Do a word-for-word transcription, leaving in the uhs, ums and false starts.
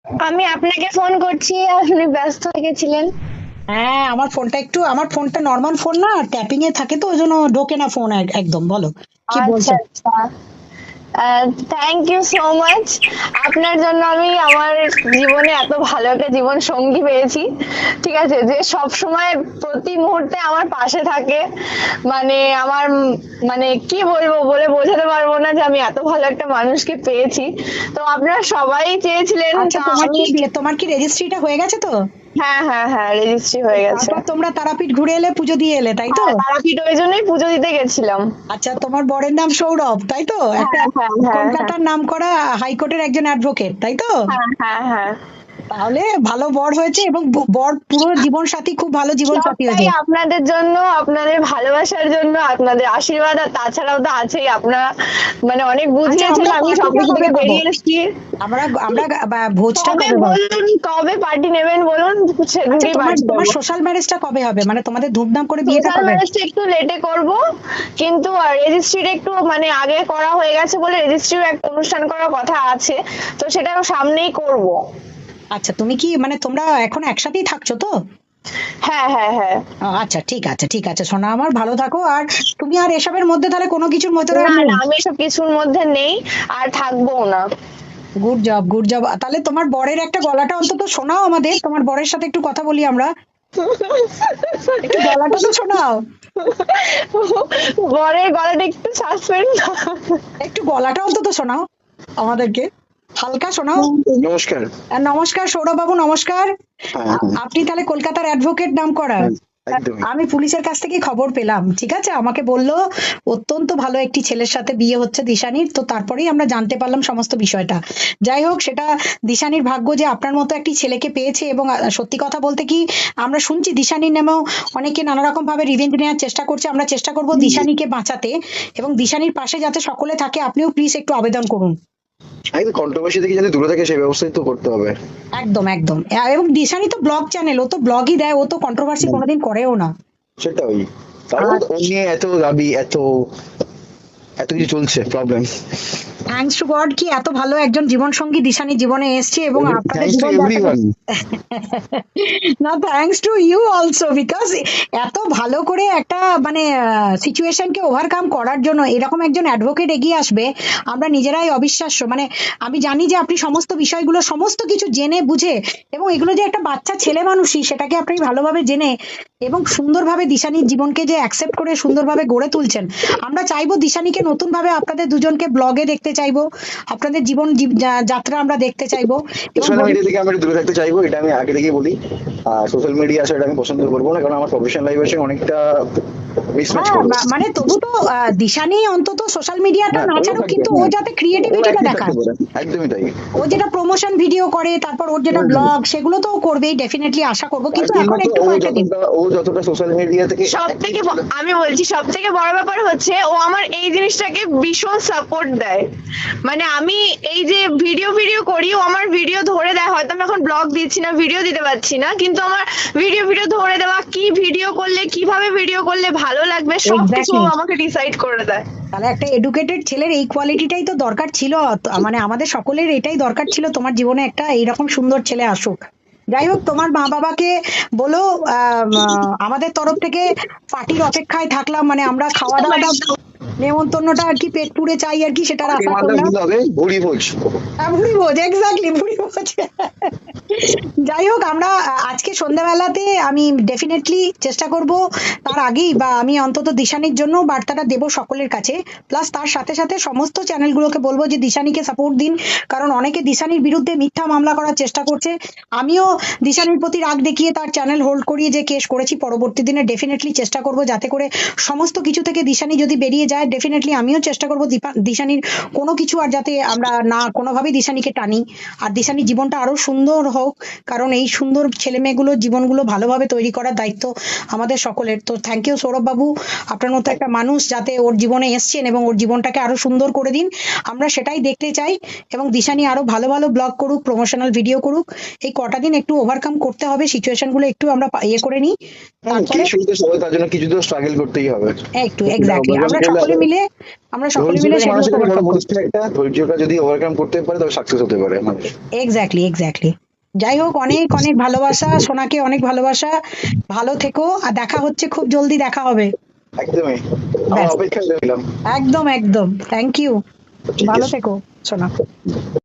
আমি আপনাকে ফোন করছি, আপনি ব্যস্ত হয়ে গেছিলেন। হ্যাঁ, আমার ফোনটা একটু আমার ফোনটা নর্মাল ফোন না, ট্যাপিং এ থাকে তো ওই জন্য ঢোকে না ফোন একদম। বলো কি আচ্ছা বলছো? আচ্ছা। Thank you so much. আপনার জন্য আমি আমার জীবনে এত ভালো একটা জীবন সঙ্গী পেয়েছি। ঠিক আছে, যে সব সময় প্রতি মুহূর্তে আমার পাশে থাকে। মানে আমার উম মানে কি বলবো, বলে বোঝাতে পারবো না যে আমি এত ভালো একটা মানুষকে পেয়েছি। তো আপনারা সবাই চেয়েছিলেন, আচ্ছা, তা তোমার আমি। কি বিয়ে তোমার কি রেজিস্ট্রিটা হয়ে গেছে তো? হ্যাঁ হ্যাঁ হ্যাঁ, রেজিস্ট্রি হয়ে গেছে। তারপর তোমরা তারাপীঠ ঘুরে এলে, পুজো দিয়ে এলে, তাই তো? হ্যাঁ, তারাপীঠ ওই জন্যই পুজো দিতে গেছিলাম। আচ্ছা, তোমার বরের নাম সৌরভ, তাই তো? হ্যাঁ একটা হ্যাঁ হ্যাঁ হ্যাঁ কলকাতার নাম করা হাইকোর্টের একজন অ্যাডভোকেট, তাই তো? হ্যাঁ হ্যাঁ হ্যাঁ। তাহলে ভালো বর হয়েছে, এবং ব- বর পুরো জীবন সাথী, খুব ভালো জীবন সাথী সবটাই হয়েছে। আপনাদের জন্য, আপনাদের ভালোবাসার জন্য, আপনাদের আশীর্বাদ, আর তাছাড়াও তো আছেই আপনারা। মানে অনেক আচ্ছা, বুঝিয়েছেন, আমরা আমি পার্টিটা সবকিছু কবে থেকে পাবো? বেরিয়ে এসেছি। আমরা আমরা বা- ভোজটা কবে কবে পাবো? বলুন, কবে পার্টি নেবেন বলুন, আচ্ছা, সেদিনই তোমার পার্টি তোমার দেবো। সোশ্যাল ম্যারেজটা কবে হবে, মানে তোমাদের ধুমধাম করে বিয়েটা সোশ্যাল কবে? ম্যারেজটা একটু লেটে করব, কিন্তু রেজিস্ট্রিটা একটু মানে আগে করা হয়ে গেছে বলে রেজিস্ট্রিও একটা অনুষ্ঠান করার কথা আছে। তো সেটাও সামনেই করব। আচ্ছা, তুমি কি মানে তোমরা এখন একসাথেই থাকছো তো? হ্যাঁ হ্যাঁ হ্যাঁ। আহ, আচ্ছা, ঠিক আছে, ঠিক আছে, সোনা আমার, ভালো থাকো। আর তুমি আর এসবের মধ্যে তাহলে কোনো কিছুর মধ্যে আর না নেই? না, আমি এসব কিছুর মধ্যে নেই, আর থাকবো না। Good job, good job. তাহলে তোমার বরের একটা গলাটা অন্তত শোনাও আমাদের, তোমার বরের সাথে একটু কথা বলি আমরা। একটু গলাটা তো শোনাও। বরের গলাটা একটু সাসপেন্ড। একটু গলাটা অন্তত শোনাও আমাদেরকে, হালকা শোনাও। নমস্কার। আর নমস্কার সৌরভ বাবু, নমস্কার। হ্যাঁ, আ- হ্যাঁ, আপনি তাহলে কলকাতার অ্যাডভোকেট নাম করা? হুম, একদমই। আমি পুলিশের কাছ থেকে খবর পেলাম, ঠিক আছে, আমাকে বললো অত্যন্ত ভালো একটি ছেলের সাথে বিয়ে হচ্ছে দিশানির, তো তারপরেই আমরা জানতে পারলাম সমস্ত বিষয়টা। যাই হোক, সেটা দিশানির ভাগ্য যে আপনার মতো একটি ছেলেকে পেয়েছে। এবং আ, সত্যি কথা বলতে কি, আমরা শুনছি দিশানির নামেও অনেকে নানা রকম ভাবে রিভেঞ্জ নেওয়ার চেষ্টা করছে। আমরা চেষ্টা করব দিশানিকে বাঁচাতে, এবং দিশানির পাশে যাতে সকলে থাকে। আপনিও প্লিজ একটু আবেদন করুন। একদম কন্ট্রোভার্সি থেকে যাতে দূরে থাকে সেই ব্যবস্থাই তো করতে হবে। একদম একদম। আ- এবং দিশানি তো ব্লগ চ্যানেল, ও তো ব্লগই দেয়, ও তো কন্ট্রোভার্সি হুম, কোনোদিন করেও না। সেটাই। তারপর আর ও নিয়ে এত দাবি, এত এত কিছু চলছে প্রবলেম। থ্যাঙ্কস টু গড কি এত ভালো একজন জীবন সঙ্গী দিশানি জীবনে এসছে, এবং আপনাদের থ্যাঙ্কস টু জীবনযাত্রাকে এভরিওয়ান। না, thanks to you also, because এত ভালো করে একটা মানে সিচুয়েশনকে ওভারকাম করার জন্য এরকম একজন অ্যাডভোকেট এগিয়ে আসবে, আমরা নিজেরাই অবিশ্বাস্য। মানে আমি জানি যে আপনি সমস্ত বিষয়গুলো সমস্ত কিছু জেনে বুঝে, এবং এগুলো যে একটা বাচ্চা ছেলে মানুষই সেটাকে আপনি ভালোভাবে জেনে এবং সুন্দরভাবে দিশানির জীবনকে যে অ্যাকসেপ্ট করে সুন্দরভাবে গড়ে তুলছেন। আমরা চাইবো দিশানিকে নতুন ভাবে আপনাদের দুজনকে ব্লগে দেখতে চাইবো, আপনাদের জীবন জীব- যা- যাত্রা আমরা দেখতে চাইবো। এবং সোশ্যাল ভবিষ্যৎ মিডিয়া থেকে আমি একটু দূরে থাকতে চাইবো, এটা আমি আগে থেকেই বলি। আর সোশ্যাল মিডিয়া আসলে আমি পছন্দ করবো না, কারণ আমার প্রফেশনাল লাইফের সঙ্গে অনেকটা মিসম্যাচ হ্যাঁ, করবে। মা- মানে তবু তো আহ, দিশানি অন্তত সোশ্যাল মিডিয়াটা হ্যাঁ, না ওও ছাড়ুক, থাকবে, কিন্তু ও হ্যাঁ। যাতে ও ক্রিয়েটিভিটিটা অ্যাক্টিভ থাকতে দেখায়। পারে, একদমই তাই। ও যেটা প্রমোশন ভিডিও করে, তারপর ওর যেটা হুম, হুম। ব্লগ, সেগুলো তো ও করবেই, ডেফিনেটলি আশা করবো, তার কিন্তু এখন তিলমাত্র একটু ও কয়েকটা দিন। যতটা ও যতটা সোশ্যাল মিডিয়া থেকে সব অ্যাক্টিভ থেকে ছিল। আমি বলছি, সব থেকে বড় ব্যাপার হচ্ছে ও আমার এই জিনিসটাকে ভীষণ সাপোর্ট দেয়। মানে আমি এই যে ভিডিও ভিডিও করি, ও আমার ভিডিও ধরে দেয়। হয়তো আমি এখন ব্লগ দিচ্ছি না, ভিডিও দিতে পারছি না, কিন্তু আমার ভিডিও ভিডিও ধরে দেওয়া, কি ভিডিও করলে, কিভাবে ভিডিও করলে ভালো লাগবে, সবকিছু ও এক্স্যাক্টলি। আমাকে ডিসাইড করে দেয়। তাহলে একটা এডুকেটেড ছেলের এই কোয়ালিটিটাই তো দরকার ছিল। তো মানে আমাদের সকলের এটাই দরকার ছিল, তোমার জীবনে একটা এইরকম সুন্দর ছেলে আসুক। যাই হোক, তোমার মা বাবাকে বলো আম, আহ, আমাদের তরফ থেকে পার্টির অপেক্ষায় থাকলাম, মানে আমরা খাওয়া দাওয়াটা, নেমন্তন্নটা আর কি পেট পুড়ে চাই আর কি, সেটার পার্টির আশা মাথায় করলাম। দিতে হবে ভুড়ি ভোজ। হ্যাঁ, ভুড়ি ভোজ, এক্স্যাক্টলি, ভুড়ি ভোজ। যাই হোক, আমরা আহ, আজকে সন্ধ্যাবেলাতে আমি ডেফিনেটলি চেষ্টা করব, তার আগেই বা আমি অন্তত দিশানির জন্য বার্তাটা দেব সকলের কাছে। প্লাস তার সাথে সাথে সমস্ত চ্যানেলগুলোকে বলবো যে দিশানিকে সাপোর্ট দিন, কারণ অনেকে দিশানির বিরুদ্ধে মিথ্যা মামলা করার চেষ্টা করছে। আমিও দিশানির প্রতি রাগ দেখিয়ে তার চ্যানেল হোল্ড করিয়ে যে কেস করেছি, পরবর্তী দিনে ডেফিনেটলি চেষ্টা করব যাতে করে সমস্ত কিছু থেকে দিশানি যদি বেরিয়ে যায়, ডেফিনেটলি আমিও চেষ্টা করব দিশানির কোনো কিছু আর যাতে আমরা না কোনোভাবেই দিশানিকে টানি, আর দিশানির জীবনটা আরো সুন্দর হোক। কারণ কারণ এই সুন্দর ছেলে মেয়েগুলোর জীবনগুলো ভালোভাবে তৈরি করার দায়িত্ব আমাদের সকলের। তো থ্যাংক ইউ সৌরভ বাবু, আপনার মতো একটা মানুষ যাতে ওর জীবনে এসছেন এবং ওর জীবনটাকে আরো সুন্দর করে দিন, আমরা সেটাই দেখতে চাই। এবং দিশানি আরো ভালো ভালো ব্লগ করুক, প্রমোশনাল ভিডিও করুক। এই কটা দিন একটু ওভারকাম করতে হবে, সিচুয়েশন গুলো একটু আমরা পা- ইয়ে করে নিই, হুম, কি তারপরে শুরুতে সবাই তার জন্য কিছু তো স্ট্রাগল করতেই হবে। একটু এক্স্যাক্টলি আমরা overcome করলে সকলে আবার- মিলে আমরা সকলে মিলে ধৈর্যটাই সেগুলো মানুষের কাছে বড় ওভারকাম বস্তু একটা, ধৈর্যটা যদি ওভারকাম করতে পারে তবে সাকসেস হতে পারে মানুষ। এক্স্যাক্টলি এক্স্যাক্টলি যাই হোক, অনেক অনেক ভালোবাসা সোনাকে, অনেক ভালোবাসা, ভালো থেকো, আর দেখা হচ্ছে খুব জলদি, দেখা হবে। একদমই, আমার ব্যাস, অপেক্ষায় রইলাম। একদম একদম, থ্যাংক ইউ, ঠিক ভালো আছে। থেকো সোনা।